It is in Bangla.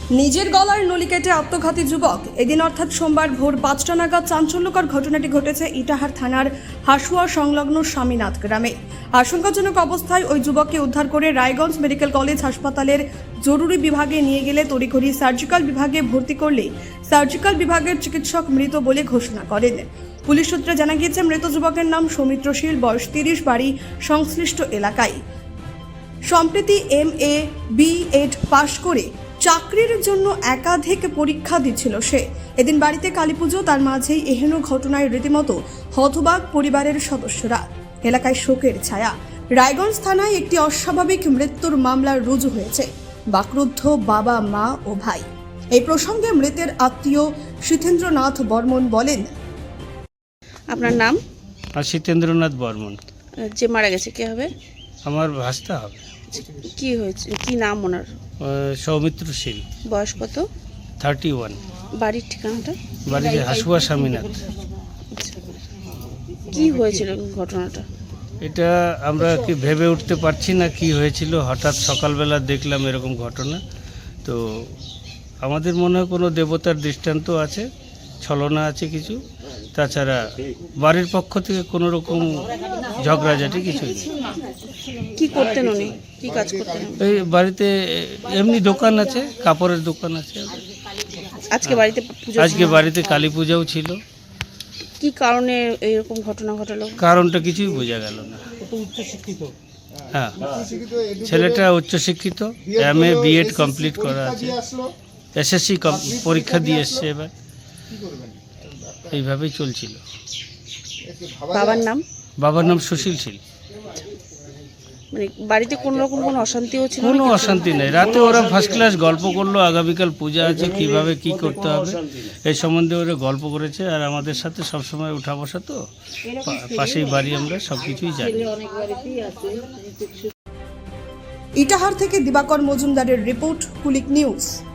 নিজের গলার নলি কেটে আত্মঘাতী যুবক। এদিন অর্থাৎ সোমবার ভোর 5টা নাগাদ চাঞ্চল্যকর ঘটনাটি ঘটেছে ইটাহার থানার হাসুয়া সংলগ্ন স্বামীনাথ গ্রামে। আশঙ্কাজনক অবস্থায় ওই যুবককে উদ্ধার করে রায়গঞ্জ মেডিকেল কলেজ হাসপাতালের জরুরি বিভাগে নিয়ে গেলে তড়িঘড়ি সার্জিক্যাল বিভাগে ভর্তি করলে সার্জিক্যাল বিভাগের চিকিৎসক মৃত বলে ঘোষণা করেন। পুলিশ সূত্রে জানা গিয়েছে, মৃত যুবকের নাম সৌমিত্র শীল, বয়স 30, বাড়ি সংশ্লিষ্ট এলাকায়। সম্প্রতি MA B.Ed পাশ করে চাকরির জন্য একাধিক পরীক্ষা দিচ্ছিল সে। এদিন বাড়িতে কালীপুজো, তার মাঝেই এহেন ঘটনায় রীতিমতো হতবাক পরিবারের সদস্যরা। এলাকায় শোকের ছায়া। রায়গঞ্জ থানায় একটি অস্বাভাবিক মৃত্যুর মামলা রুজু হয়েছে। বাকরুদ্ধ বাবা, মা ও ভাই। এই প্রসঙ্গে মৃতের আত্মীয় শীতেন্দ্রনাথ বর্মন বলেন, আপনার নাম? শীতেন্দ্রনাথ বর্মন। যে মারা গেছে কে হবে? আমার ভাস্তা হবে। কি হয়েছে, কি নাম ওনার? সৌমিত্র শীল, বয়স কত? 31। বাড়ির ঠিকানাটা? বাড়িতে হাসুয়া স্বামীনাথ। কি হয়েছিল ঘটনাটা? এটা আমরা কি ভেবে উঠতে পারছি না কি হয়েছিল। হঠাৎ সকালবেলা দেখলাম এরকম ঘটনা। তো আমাদের মনে হয় কোনো দেবতার দৃষ্টান্ত আছে, ছলনা আছে কিছু। তাছাড়া বাড়ির পক্ষ থেকে কোনো রকম ঝগড়াঝাটি কিছুই নেই। কি করতেন উনি, কি কাজ করতেন? এই বাড়িতে এমনি দোকান আছে, কাপড়ের দোকান আছে। আজকে বাড়িতে পুজো? আজকে বাড়িতে কালী পূজাও ছিল। কি কারণে এইরকম ঘটনা ঘটালো? কারণটা কিছুই বোঝা গেল না। হ্যাঁ, ছেলেটা উচ্চশিক্ষিত, MA B.Ed কমপ্লিট করা আছে, SSC পরীক্ষা দিয়ে এসছে। এবার এইভাবেই চলছিল। বাবার নাম? বাবার নাম সুশীল শীল। মানে বাড়িতে কোনো রকম কোনো অশান্তিও ছিল? কোনো অশান্তি নেই। রাতে ওরা ফার্স্ট ক্লাস গল্প করলো, আগামীকাল পূজা আছে, কিভাবে কি করতে হবে এই সম্বন্ধে ওরা গল্প করেছে। আর আমাদের সাথে সবসময় উঠা বসা, তো পাশেই বাড়ি, আমরা সব কিছুই জানি। ইটাহার থেকে দিবাকর মজুমদারের রিপোর্ট, কুলিক নিউজ।